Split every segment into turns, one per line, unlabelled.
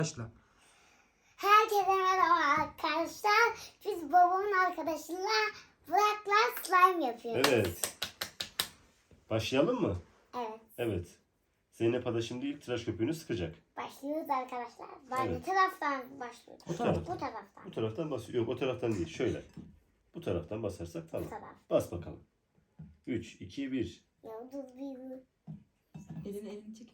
Başla.
Herkese merhaba arkadaşlar. Biz babamın arkadaşıyla Burak'la slime yapıyoruz.
Evet. Başlayalım mı?
Evet.
Evet. Zeynep Ada şimdi ilk tıraş köpüğünü sıkacak.
Başlıyoruz arkadaşlar. Ben
Evet.
ne taraftan başlıyoruz?
Bu taraftan.
Bu taraftan.
Bu taraftan basıyor. Yok o taraftan değil. Şöyle. Bu taraftan basarsak tamam.
Bu taraf.
Bas bakalım. 3, 2, 1.
Ya dur bir.
Elini çek.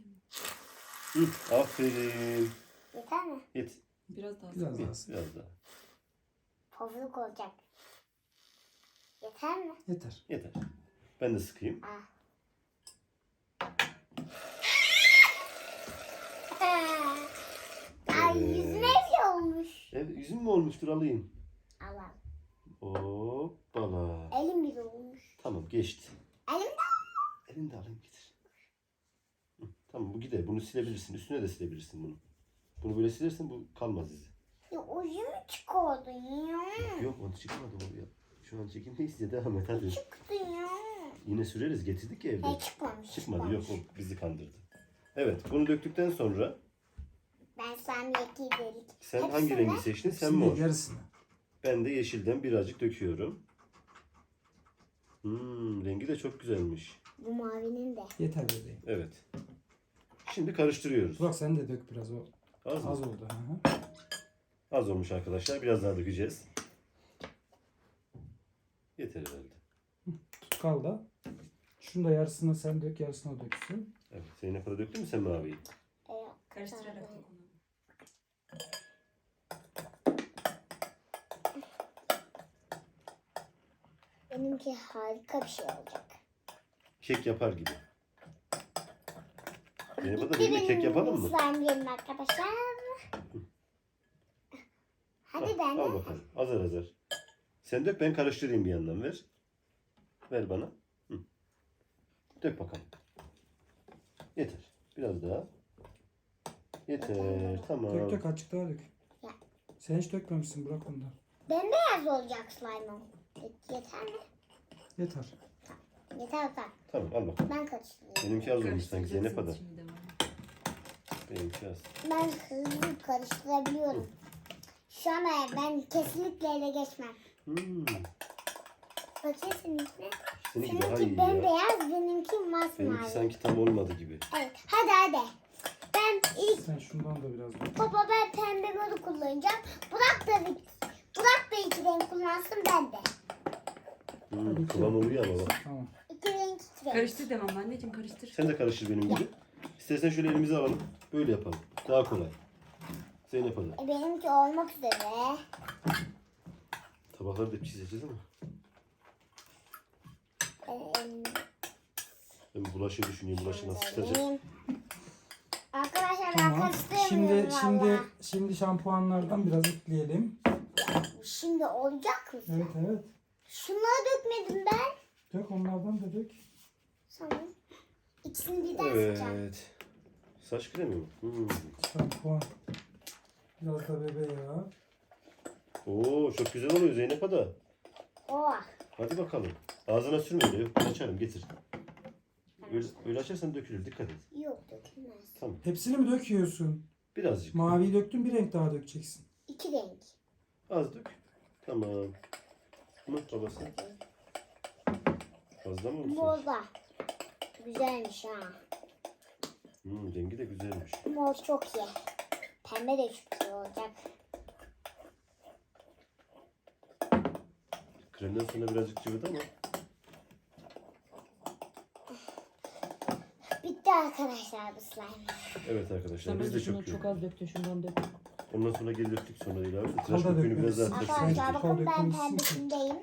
Aferin.
Yeter mi?
Yet.
Biraz daha.
Biraz daha.
Biraz daha.
Pofuduk olacak. Yeter mi?
Yeter.
Yeter. Ben de sıkayım.
Ah. Ay
Evet.
yüzüme bir olmuş.
Evet, yüzüm mü olmuştur alayım.
Allah.
Hoppala.
Elim bir olmuş.
Tamam geçti.
Elim de.
Elini de alayım getir. Tamam bu gider. Bunu silebilirsin. Üstüne de silebilirsin bunu. Bunu böyle silersen bu kalmaz izi.
Ya ucumu çıkardın ya.
Yok onu çıkmadı o ya. Şu an çekimdeyiz ya devam et hadi.
Çıktı ya.
Yine süreriz getirdik ya evde.
He çıkmamış.
Çıkmadı yok o bizi kandırdı. Evet bunu döktükten sonra
Ben sen iki delik.
sen
Hepsini
hangi rengi
mi?
seçtin? Sen
Şimdi
mor.
yarısını.
Ben de yeşilden birazcık döküyorum. Rengi de çok güzelmiş.
Bu mavinin de.
Yeter bebeğim.
Evet. Şimdi karıştırıyoruz.
Burak sen de dök biraz o.
Az mı?
Az oldu. Hı hı.
Az olmuş arkadaşlar. Biraz daha dökeceğiz. Yeter herhalde.
Tutkal da. Şunu da yarısını sen dök, yarısını o döksün.
Evet. Zeynep Ada döktün mü sen maviyi?
Karıştırarak dök onu.
Benimki harika bir şey olacak.
Kek yapar gibi. Zeynep Ada
Bitti
benimle kek
benim
yapalım mı?
slime yerim arkadaşlar. Hadi ben
Al
de.
bakalım. Azar azar. Sen dök ben karıştırayım bir yandan ver. Ver bana. Hı. Dök bakalım. Yeter. Biraz daha. Yeter. Tamam.
Dök dök azıcık daha dök.
Ya.
Sen hiç dökmemişsin Burak ondan.
Bembeyaz olacak slime'ım. Yeter mi?
Yeter.
Yeter bak.
Tamam al bakalım.
Ben karıştırıyorum.
Benimki az olmuş sanki Zeynep Ada.
Şimdi devam.
Benimki az.
Ben hızlı karıştırabiliyorum. Şu an ben kesinlikle ele geçmem. Bakayım seninkine.
Seninki daha iyi
Seninki
ya.
bembeyaz, benimki
Benimki
masmavi.
sanki tam olmadı gibi.
Evet. Hadi. Ben ilk
Sen şundan da biraz dök.
baba ben pembe modu kullanacağım. Burak da iki renk kullansın ben de.
Kıvam oluyor ama bak.
Tamam.
İki renk iki renk.
Karıştır demem anneciğim karıştır.
Sen de karıştır benim gibi. İstersen şöyle elimizi alalım. Böyle yapalım. Daha kolay. Zeynep Ada.
Benimki olmak üzere.
Tabakları da çizeceğiz ama. Ben bulaşığı düşünüyorum. Bulaşığı nasıl çıkacak?
Benim. Arkadaşlar ben
Tamam.
karıştıramıyorum valla.
Şimdi şampuanlardan biraz ekleyelim.
Şimdi olacak mı?
Evet evet.
Şunları dökmedim ben.
Dök onlardan da dök.
Sanırım. İkisini birden sıkacağım.
Evet. Saç kremi mi?
Şampuan. Biraz da bebe yağı.
Oo çok güzel oluyor Zeynep Ada.
Oh.
Hadi bakalım. Ağzına sürme öyle. Yok ben açarım getir. Öyle açarsan dökülür. Dikkat et.
Yok dökülmez.
Tamam.
Hepsini mi döküyorsun?
Birazcık.
Maviyi döktün, bir renk daha dökeceksin.
İki renk.
Az dök. Tamam. Mı babası? Fazla mı olsun?
Mor da. Güzelmiş ha.
Rengi de güzelmiş.
Mor çok iyi. Pembe de çok iyi olacak.
Kremden sonra birazcık cıvıdı ama.
Bitti arkadaşlar bu slime.
Evet arkadaşlar
Sen
biz de
bence
çok
şunu çok az döktün şundan dök.
Ondan sonra geri döktük sonra ilave. Tıraş
Kalda
köpüğünü biraz daha
dökmelisin.
tıraş
Arkadaşlar
köpüğü.
bakın ben
dökülmüşsün ki.
pembesindeyim.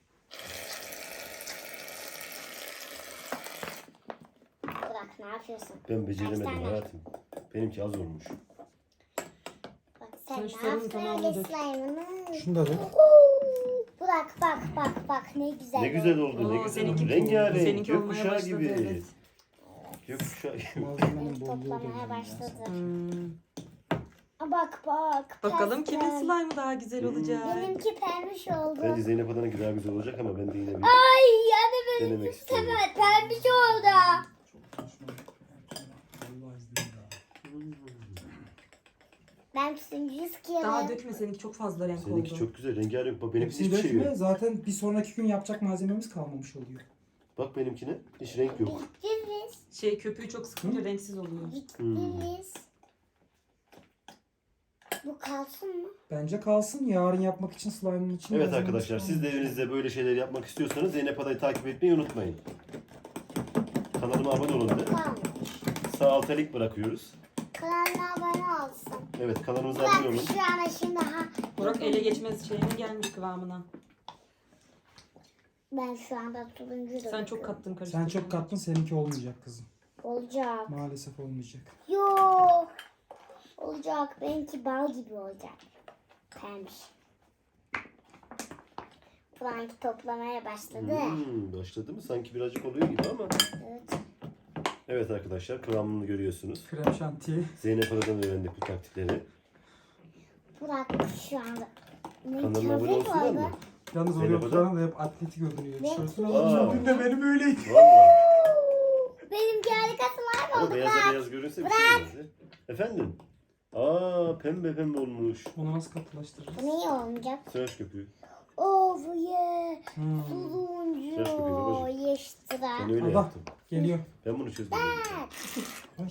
Burak ne yapıyorsun?
Ben beceremedim
Kaç tane?
hayatım. Benimki az olmuş.
Bak sen
Sen
ne
şu sarının
yaptın
tamamını
öyle
dök.
slime'ını?
Şunu da dök.
Burak bak ne güzel.
Ne güzel oldu, ne
Oo,
güzel
seninki-
oldu. Rengarenk,
seninki olmaya
gökkuşağı
başladı,
gibi.
evet.
Gökkuşağı gibi.
Malzemenin bolluğu
Toplamaya
da
başladı.
Hmm.
Bak.
Bakalım kimin
pembe.
slime'ı daha güzel olacak.
Benimki pembiş oldu.
Bence Zeynep Adan'ınki daha güzel olacak ama ben de yine bir
Ay yani
denemek
benimki
istiyorum.
pembiş oldu.
Çok saçma. Allah izniyle.
Ben turuncuyu sıkıyorum.
Daha dökme, seninki çok fazla renk
Seninki
oldu.
çok güzel. Rengarenk. Bak benimki
Hepsini
hiçbir şey
dökme.
yok.
Zaten bir sonraki gün yapacak malzememiz kalmamış oluyor.
Bak benimkine. Hiç renk yok.
Bittiniz.
Köpüğü çok sıkınca renksiz oluyor.
Bittiniz. Bu kalsın mı?
Bence kalsın. Yarın yapmak için slime'ın için.
Evet
malzememiz
arkadaşlar, siz de
kalmamış.
evinizde böyle şeyler yapmak istiyorsanız Zeynep Adayı takip etmeyi unutmayın. Kanalıma abone olun de.
Kalmış.
Sağ alta link bırakıyoruz.
Kanalına abone olsun.
Evet, kanalımıza abone olun.
Burak şu an şimdi
Burak ele geçmez şeyine gelmiş kıvamına.
Ben şu anda turuncu
Sen çok kattın
Sen
karıştırdın.
çok kattın, seninki olmayacak kızım.
Olacak.
Maalesef olmayacak.
Yok. Olacak. Benimki bal gibi olacak. Pembiş. Burak'ınki toplamaya başladı.
Başladı mı? Sanki birazcık oluyor gibi ama.
Evet.
Evet arkadaşlar, kıvamını görüyorsunuz.
Krem şantiye.
Zeynep Adayı'dan öğrendik bu taktikleri.
Burak şu anda. Ne
Kanalıma abone
köpek
olsunlar
var
mı?
be?
Yalnız
Zeynep
oraya
Ada?
oturan da hep atletik görünüyor.
Ben-
Tişörtünü
Aa.
alacağım. Dün de benim öyleydi.
Valla.
Benimki harikası var
Ama
oldu
beyaza
Burak.
beyaz görünse bir şey olmaz ya. Efendim? Aa, pembe pembe olmuş.
Onu nasıl katılaştırırız?
Bu niye olmayacak?
Tıraş köpüğü.
Oh yeah.
Hmm.
Yaş köpeği
Turuncu.
babacığım.
Yeştra.
Ben öyle
Allah.
yaptım.
Geliyor.
Ben bunu çözdüm.
Ay.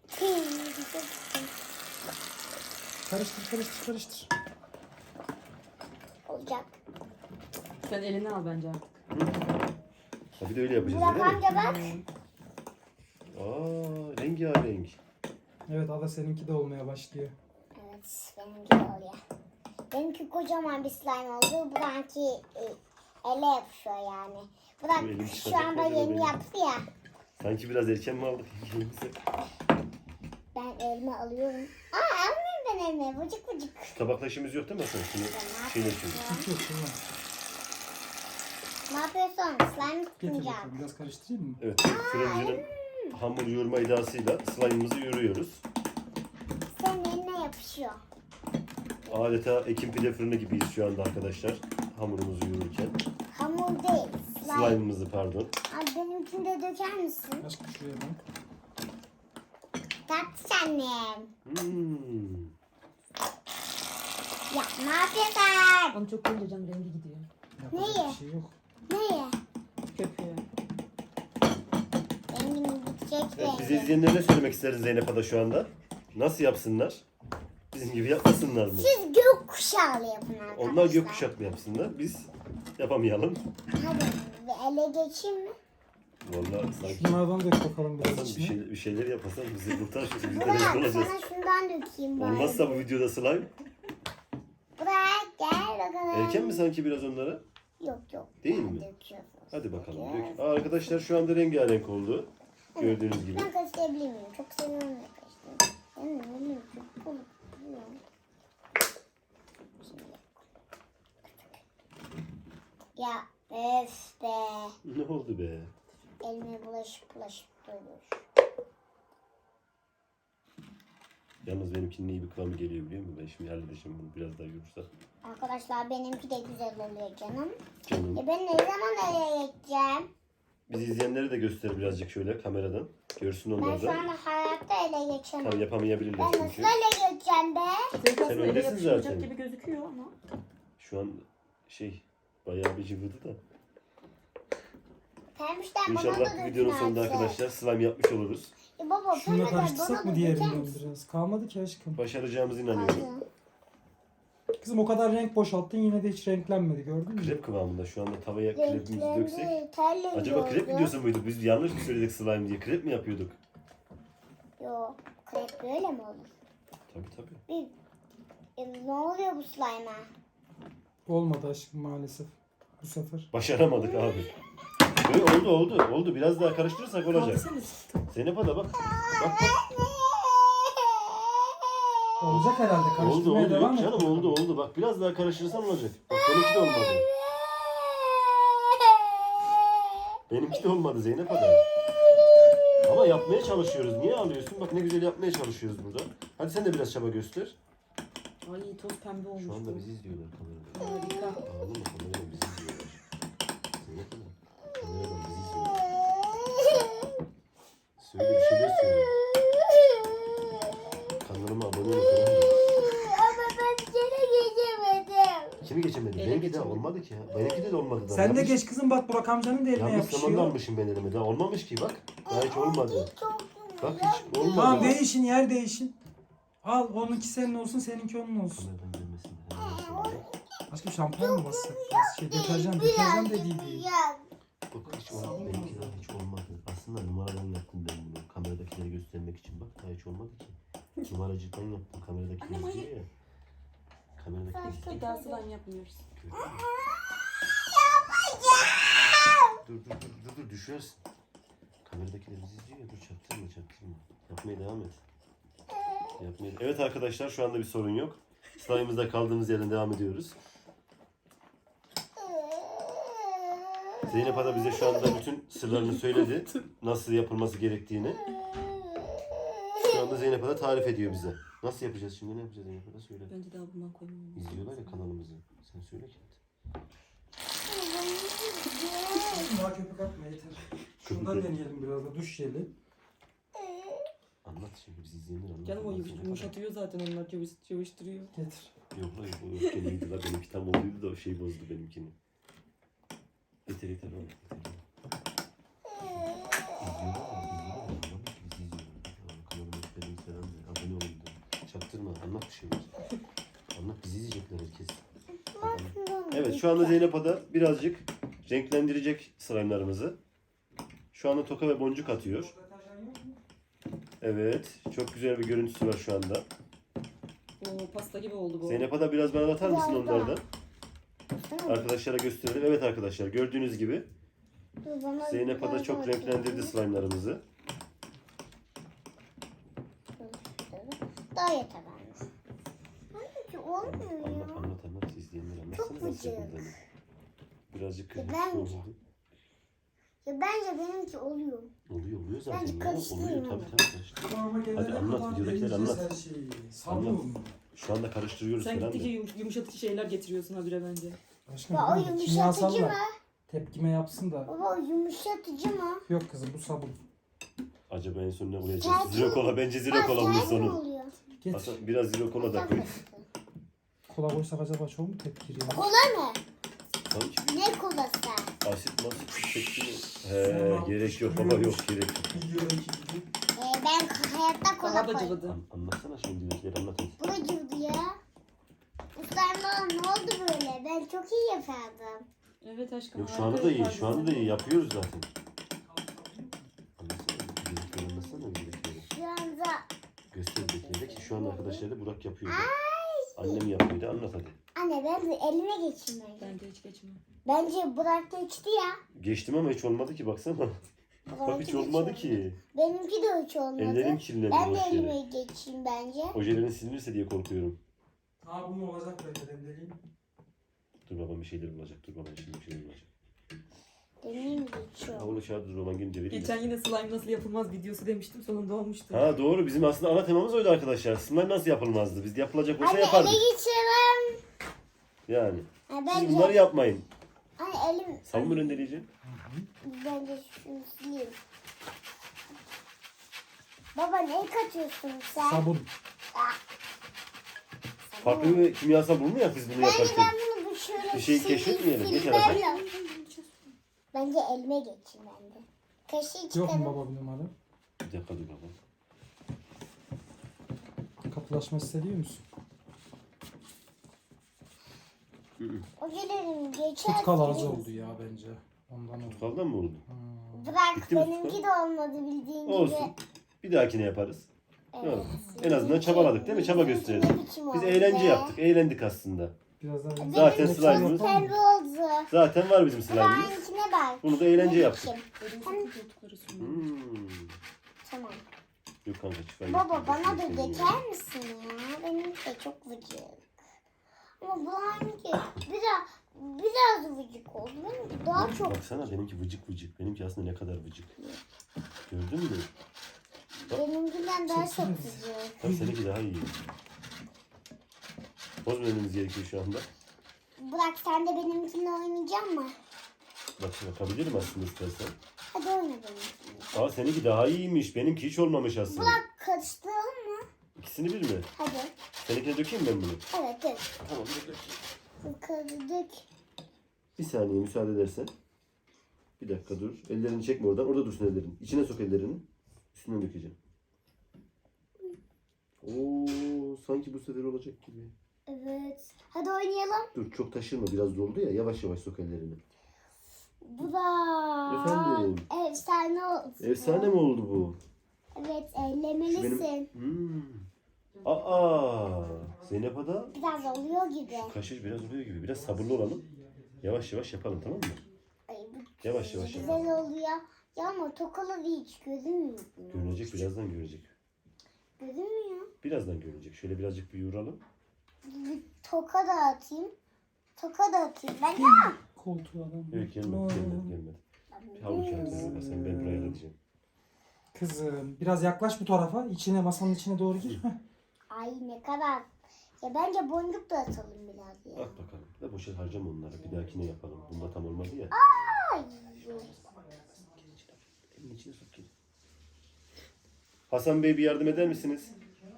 Karıştır karıştır karıştır.
Olacak.
Sen eline al bence artık.
Ha, bir de öyle yapacağız
Burak
değil mi?
amca bak.
Aa, rengarenk.
Evet, Ada seninki de olmaya başlıyor.
Evet benimki de oluyor. Benimki kocaman bir slime oldu. Burak'ınki ele yapışıyor yani. Burak
Bu elim
şu
çıkacak
anda
acaba
yeni
benim?
yaptı ya.
Sanki biraz erken mi aldık elimize?
Ben elime alıyorum. Aa almıyorum ben elime. Vıcık vıcık.
Tabakla işimiz yok değil mi Hasan? Şimdi
ne
şeyler
yapıyorsun?
çözüyoruz.
Hiç yok tamam.
Ne yapıyorsun? Slime
Getir
tutmayacak.
bakalım. Biraz karıştırayım mı?
Evet, fırıncının hamur yoğurma iddiasıyla slime'ımızı yoğuruyoruz.
Senin eline yapışıyor.
Adeta Ekim pide fırını gibiyiz şu anda arkadaşlar. Hamurumuzu yoğururken.
Hamur değil. Slime.
Slime'ımızı pardon.
Abi benimkini de döker misin?
Aşkım şuraya bak.
Tatlış annem.
Hmm.
Ya ne yapıyorsun?
Onu çok koyunca canım rengi gidiyor.
Yapacak
Neyi?
bir şey yok.
Neye?
Köpüğü.
Rengim gidecek
Evet, bizi
rengi.
izleyenlere ne söylemek isteriz Zeynep Ada şu anda? Nasıl yapsınlar? Bizim gibi yapmasınlar mı?
Siz gökkuşağı yapın arkadaşlar.
Onlar gökkuşak mı yapsınlar? Biz yapamayalım.
Hadi bir ele geçeyim mi?
Vallahi sanki
Şunlardan dök bakalım biraz
Hasan
içine.
bir şeyler yapasan bizi kurtar. Biz de
Burak
rezil olacağız.
sana şundan dökeyim bari.
Olmazsa bu videoda slime.
Burak gel bakalım.
Erken mi sanki biraz onlara?
Yok yok.
Değil
Ben
mi?
döküyorum.
Hadi bakalım. Dök. Aa, arkadaşlar şu anda rengarenk oldu. Gördüğünüz gibi.
Ben karıştırabilir miyim? Çok seviyorum da karıştırmayı. Ben öyle çok oluyor. Ya öf be.
Ne oldu be?
Elime bulaşıp duruyor.
Yalnız benimkinin iyi bir kıvamı geliyor biliyor musun? Ben şimdi halledeceğim bunu biraz daha yoğursa.
Arkadaşlar benimki de güzel oluyor canım.
Canım.
Ben ne zaman nereye gideceğim?
Bizi izleyenlere de göster birazcık şöyle kameradan. Görsün
Ben
onlar
şu
da.
anda hayatta ele geçemem.
Tam yapamayabilirler
Ben nasıl
çünkü.
ele geçeceğim be?
Senin aslında ele
öylesin
yapışmayacak
zaten.
gibi gözüküyor ama.
Şu an bayağı bir cıvıdı da.
Pembişten bana da
İnşallah
dökün
videonun sonunda
artık.
arkadaşlar slime yapmış oluruz.
Baba
Şununla
pembişten
karıştırsak
bana
mı
da döker
diğerinden
misin?
biraz? Kalmadı ki aşkım.
Başaracağımıza inanıyorum.
Kızım o kadar renk boşalttın yine de hiç renklenmedi, gördün mü?
Krep kıvamında şu anda tavaya krepimizi döksek.
Renklendi, terli
Acaba krep
oldu.
videosu muydu? Biz yanlış mı söyledik slime diye? Krep mi yapıyorduk?
Yok, krep böyle mi olur?
Tabii tabii.
Ne oluyor bu slime'a?
Olmadı aşkım maalesef. Bu sefer.
Başaramadık abi. Böyle oldu. Biraz daha karıştırırsak olacak.
Kaldırsana.
Zeynep Ada bak. Bak.
Olacak herhalde.
Oldu
Karıştırmaya devam
yok
et.
canım oldu. Bak biraz daha karıştırırsan olacak. Bak benimki de olmadı. Benimki de olmadı Zeynep Ada. Ama yapmaya çalışıyoruz. Niye ağlıyorsun? Bak ne güzel yapmaya çalışıyoruz burada. Hadi sen de biraz çaba göster.
Ay toz pembe olmuş.
Şu anda
bu.
bizi izliyorlar kamerada.
Harika.
Ağlama kameradan bizi izliyorlar. Zeynep Ada. Kameradan bizi izliyorlar. Söyle bir şeyler söyle. Kanalıma abone ol. Tamam mı? mi geçemedi?
Ele
Benimki de
geçemedi.
olmadı ki ya. Benimki de olmadı daha.
Sen de
Yanlış-
geç kızım, bak Burak amcanın da eline
Yanlış zamanda
yapışıyor.
almışım ben elime. Daha olmamış ki bak. Daha hiç olmadı. Bak hiç olmadı.
Tamam, değişin, yer değişin. Al, onunki senin olsun, seninki onun olsun.
Kameradan gelmesin.
Başka şampuan mı bassak? Deterjan dediydi.
Bak hiç olmadı. Benimki daha hiç olmadı. Aslında numaradan yaptım ben bunu. Kameradakileri göstermek için. Bak daha hiç olmadı ki. Numaracıktan yaptım. Kameradakileri
Annem, hayır.
izliyor ya. Kameradakileri izliyor.
Bir daha slime yapmıyoruz.
Dur düşersin. Kameradakiler bizi izliyor ya. Dur çaktırma. Yapmaya devam et. Evet arkadaşlar şu anda bir sorun yok. Slime'ımızda kaldığımız yerden devam ediyoruz. Zeynep Ada bize şu anda bütün sırlarını söyledi. Nasıl yapılması gerektiğini. Şu anda Zeynep Ada tarif ediyor bize. Nasıl yapacağız şimdi? Ne yapacağız Zeynep Ada? Söyle.
Bence daha bundan koymamız lazım.
İzliyorlar ya kanalımızı. Sen söyle ki.
Daha köpük atma, yeter. Şundan deneyelim biraz da, duş jeli.
Anlat şimdi biz izleyenler anlat.
Canım o
Anlat Zeynep Ada.
yumuşatıyor zaten, onlar cıvıştırıyor.
Getir.
Yok lan o yok gene iyiydi la. Benimki tam olduydu da o şey bozdu benimkini. Yeter oğlum. Abone olun da. Çaktırma. Anlat bir şeyler. Anlat bizi izleyecekler herkes. Evet şu anda Zeynep Ada birazcık renklendirecek slime'larımızı. Şu anda toka ve boncuk atıyor. Evet. Çok güzel bir görüntüsü var şu anda.
Oo, pasta gibi oldu bu.
Zeynep Ada biraz bana atar mısın
Biraz daha.
onlardan? Arkadaşlara gösterelim. Evet arkadaşlar gördüğünüz gibi Zeynep Ada çok renklendirdi slime'larımızı.
Daha yeter anne. Anneciğim olmuyor ya.
Anlat. İzleyenler anlatsana
Çok
nasıl
gıcık.
yapıldığını. Birazcık kırmızı
Bence.
oldu.
Ya bence benimki oluyor.
Oluyor zaten.
Bence
ya.
karıştırayım
Oluyor
ama.
tabii karıştır.
Tamam,
Hadi anlat, videodakileri anlat.
Her şeyi.
Anlat.
Sabun.
Şu anda karıştırıyoruz
Sen
falan da.
gittikçe yumuşatıcı şeyler getiriyorsun habire bence.
Aşkım,
Ya o
bilmiyorum,
yumuşatıcı
kimyasallar
mı?
tepkime yapsın da.
Baba o yumuşatıcı mı?
Yok kızım, bu sabun.
Acaba en son ne koyacağız?
Tercih-
Zero kola. Bence zero kola bunun
tercih mi
sonu.
oluyor?
Getir.
Aslında biraz zero kola da koy.
Kola koysak acaba çok mu tepkir ya?
Kola mı?
Sanki
Ne kolası?
asit masit çekti mi? He gerek yok baba yok gerek yok.
Videodaki gibi.
Ben hayatta kola
Daha da
koydum.
cıvıdı.
Anlatsana şimdi videodakileri anlat hadi.
Bu da cıvıdı ya. Ustam ne oldu böyle? Ben çok iyi yapardım.
Evet aşkım.
Yok şu
harika
anda da iyi.
yapardın
Şu anda da
sen.
iyi. Yapıyoruz zaten. Anlatsana. Videodakileri anlatsana videodakileri.
Şu anda
Göster videodakileri ki şu anda arkadaşlar da Burak yapıyordu. Annem yapıyordu. Anlat hadi.
anne ben de elime geçeyim bence.
Bence hiç geçme.
Bence Burak geçti ya.
Geçtim ama hiç olmadı ki baksana. Bak hiç olmadı ki.
Benimki de hiç olmadı.
Ellerim kirlendi
Ben de
boş yere.
elime geçeyim bence.
Ojelerin silinirse diye korkuyorum.
Ha, bu mu olacak bence, demleyeyim.
Dur babam bir şeyler bulacak. Dur babam şimdi bir şeyler bulacak.
Benim
Ha
geçiyor.
onu çağır dur baban gelince vereyim.
Geçen yine slime nasıl yapılmaz videosu demiştim, sonunda olmuştu.
Ha doğru bizim aslında ana temamız oydu arkadaşlar. Slime nasıl yapılmazdı? Biz yapılacak olsa
Anne
yapardık.
ele geçiremem.
Yani.
Ha,
Siz
bence,
bunları yapmayın.
anne elim
Sabun mu rendeleyeceğim?
bence şunu sileyim. Baba ne katıyorsun sen?
Sabun.
Farklı bir kimyasal bulmuyor biz bunu
Bence
yaparken.
ben bunu şöyle
Bir şey
sileyim,
keşfetmeyelim, geç
silmem
arada.
lazım. Bence elime geçeyim ben de. Kaşığı
Yok
çıkarım.
mu baba bir numara?
Bir dakika dur baba.
Katılaşma hissediyor musun?
O gelirim geçer.
Tutkal az oldu ya bence. Ondan oldu.
Tutkaldan mı oldu?
Bırak
Bitti mi
benimki
tutkal?
de olmadı bildiğin
Olsun.
gibi.
Bir dahakine yaparız.
Evet.
En azından çabaladık değil mi? Çaba
Benimki
gösterelim.
ne biçim
Biz
oldu
eğlence
be?
yaptık. Eğlendik aslında.
Biraz daha
Zaten
Benimki
slime'ımız-
pembe oldu.
Zaten var bizim slime'ımız.
Burak'ınkine bak.
Bunu da eğlence
Ne
yaptık.
biçim?
Dedim sakın koltukları sürme.
Tamam.
Yok kanka şifayı
Baba
getirdim.
bana da
Şunu söyleyeyim.
geçer misin ya? Benimki de çok vıcık. Ama Burak'ınki biraz vıcık oldu. Benimki daha çok.
Baksana benimki vıcık vıcık. Benimki aslında ne kadar vıcık. Gördün mü?
Benimkinden daha çok
Çeksene.
vıcık.
Tabii seninki daha iyi. Bozmamamız gerekiyor şu anda.
Burak sen de benimkinle oynayacak mısın?
Bak yapabilirim aslında istersen.
Hadi oyna benimkinle.
Aa seninki daha iyiymiş. Benimki hiç olmamış aslında.
Burak karıştıralım mı?
İkisini bir mi?
Hadi.
Seninkine dökeyim ben bunu.
Evet evet.
Tamam dur dökeyim.
Kırdık.
Bir saniye müsaade edersen. Bir dakika dur. Ellerini çekme oradan. Orada dursun ellerin. İçine sok ellerini. Üstüne dökeceğim. Oo, sanki bu sefer olacak gibi.
Evet. Hadi oynayalım.
Dur çok taşırma. Biraz doldu ya. Yavaş yavaş sok ellerini.
Bu da
Efendim?
efsane oldu.
Efsane mi oldu bu?
Evet,
Şu
ellemelisin.
Aa, Zeynep Ada.
Biraz oluyor gibi.
Kaşış biraz oluyor gibi. Biraz sabırlı olalım. Yavaş yavaş yapalım, tamam mı?
Ay, bu
Yavaş yavaş yapalım.
güzel oluyor. Ya ama tokalı hiç gözünmüyor.
Görünecek, birazdan görecek.
Gözünmüyor.
Birazdan görecek. Şöyle birazcık bir yoğuralım.
Bir toka da atayım. Toka da atayım. Ben de
Koltuğu adam.
Yok gelmedi, gelmedi. Bir havuç alacağız. Sen ben buraya alacağım.
Kızım biraz yaklaş bu tarafa. İçine, masanın içine doğru gir. Heh.
Ay ne kadar. Ya bence boncuk da atalım biraz ya.
At bakalım. Da boşa harcama onları. Bir dahakine yapalım. Bunda tam olmadı ya.
Ay.
Elin içine sok gel. Hasan Bey bir yardım eder misiniz?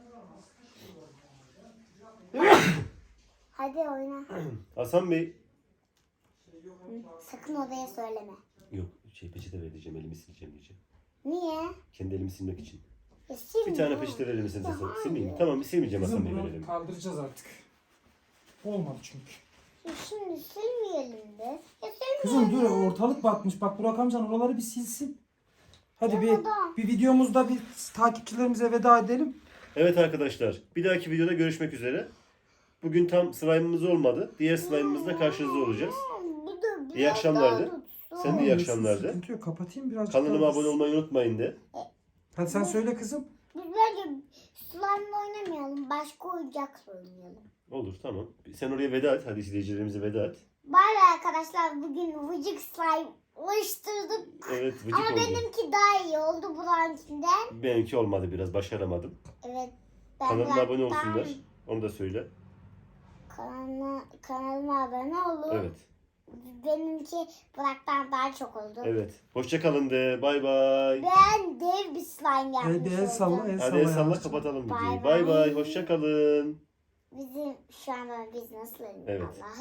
Hadi oyna.
Hasan Bey.
Sakın odaya söyleme.
Yok peçete vereceğim. Elimi sileceğim diyeceğim.
Niye?
Kendi elimi silmek için.
Silme.
Bir tane peçete verir misiniz Hasan? Silmeyeyim. Tamam silmeyeceğim Hasan
Kızım
Bey
bunu
verelim.
kaldıracağız artık. Olmadı çünkü.
Şimdi silmeyelim de. Ya
Kızım dur, ortalık batmış. Bak Burak amcan oraları bir silsin. Hadi
Ya
bir
baba.
videomuzda bir takipçilerimize veda edelim.
Evet arkadaşlar. Bir dahaki videoda görüşmek üzere. Bugün tam slime'ımız olmadı. Diğer slime'ımızla karşınızda olacağız.
Bu da
İyi akşamlar de.
daha tutsun.
Sen de iyi akşamlar de.
Sıkıntı yok, kapatayım birazcık.
Kanalıma
daha.
abone olmayı unutmayın de.
Hadi sen söyle kızım.
Biz bence slime'la oynamayalım. Başka oyuncakla oynayalım.
Olur tamam. Sen oraya veda et. Hadi izleyicilerimize veda et.
Bay bay arkadaşlar. Bugün vıcık slime oluşturduk.
Evet vıcık
Ama
oldu.
benimki daha iyi oldu Burak'ınkinden.
Benimki olmadı biraz. Başaramadım.
Evet. Ben
Kanalıma abone
Burak'tan-
olsunlar. Onu da söyle.
Kanalıma abone olun.
Evet.
Benimki Burak'tan daha çok oldu.
Evet. Hoşça kalın de. Bay bay.
Ben dev bir slime yapmış
Hadi el salla,
oldum.
el
Hadi
salla.
el salla
yavaşça.
kapatalım
Bay
videoyu.
bay.
Bay bay. Hoşça kalın.
Bizim şu anda biz nasıl
Evet.
Allah